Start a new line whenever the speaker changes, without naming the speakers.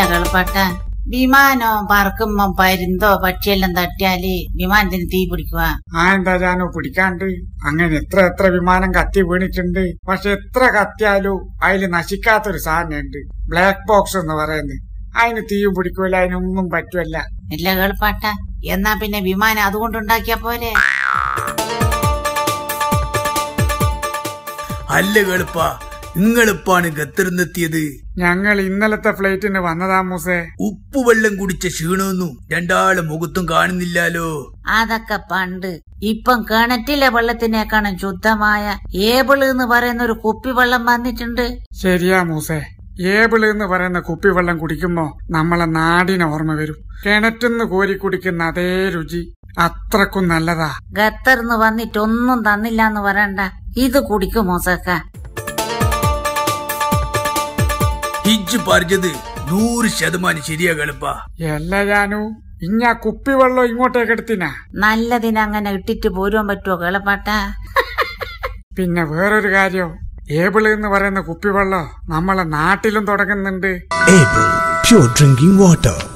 കളിപ്പാട്ട വിമാനോ പറക്കുമ്പോ പരുന്തോ പക്ഷിയെല്ലാം തട്ടിയാല് വിമാനത്തിന് തീ പിടിക്കുക.
എന്താ ജാനു പിടിക്കാണ്ട്? അങ്ങനെ എത്ര വിമാനം കത്തി വീണിട്ടുണ്ട്. പക്ഷെ എത്ര കത്തിയാലും അതില് നശിക്കാത്തൊരു സാധനമുണ്ട്, ബ്ലാക്ക് ബോക്സ് എന്ന് പറയുന്നത്. അതിന് തീയും പിടിക്കൂല, അതിനൊന്നും പറ്റുമല്ല.
ഇല്ല കളിപ്പാട്ട, എന്നാ പിന്നെ വിമാനം അതുകൊണ്ടുണ്ടാക്കിയ പോലെ.
അല്ല കളിപ്പ, നിങ്ങളിപ്പാണ് ഖത്തറിനെത്തിയത്?
ഞങ്ങൾ ഇന്നലത്തെ ഫ്ലൈറ്റിന് വന്നതാ മൂസേ.
ഉപ്പുവെള്ളം കുടിച്ച ക്ഷീണമൊന്നും രണ്ടാളെ മുഖത്തും കാണുന്നില്ലാലോ.
അതൊക്കെ പണ്ട്. ഇപ്പം കിണറ്റിലെ വെള്ളത്തിനേക്കാളും ശുദ്ധമായ ഏബിള് എന്ന് പറയുന്ന ഒരു കുപ്പിവെള്ളം വന്നിട്ടുണ്ട്.
ശരിയാ മൂസേ, ഏബിള് എന്ന് പറയുന്ന കുപ്പിവെള്ളം കുടിക്കുമ്പോ നമ്മളെ നാടിന് ഓർമ്മ വരും. കിണറ്റിന്ന് കോരി കുടിക്കുന്ന അതേ രുചി, അത്രക്കും നല്ലതാ.
ഖത്തറിന്ന് വന്നിട്ടൊന്നും തന്നില്ലാന്ന് പറയണ്ട, ഇത് കുടിക്കും മൂസക്ക.
ഹിജ് പറഞ്ഞത് 100% ശരിയാ കളിപ്പ.
എല്ലാ ജാനു, ഇഞ്ഞാ കുപ്പിവെള്ളം ഇങ്ങോട്ടേക്ക് എടുത്തിനാ?
നല്ലതിനങ്ങനെ ഇട്ടിട്ട് പോരുവാൻ പറ്റുമോ കളിപ്പാട്ട?
പിന്നെ വേറൊരു കാര്യം, ഏബിള് എന്ന് പറയുന്ന കുപ്പിവെള്ളം നമ്മളെ നാട്ടിലും തുടങ്ങുന്നുണ്ട്.
Able Pure Drinking Water.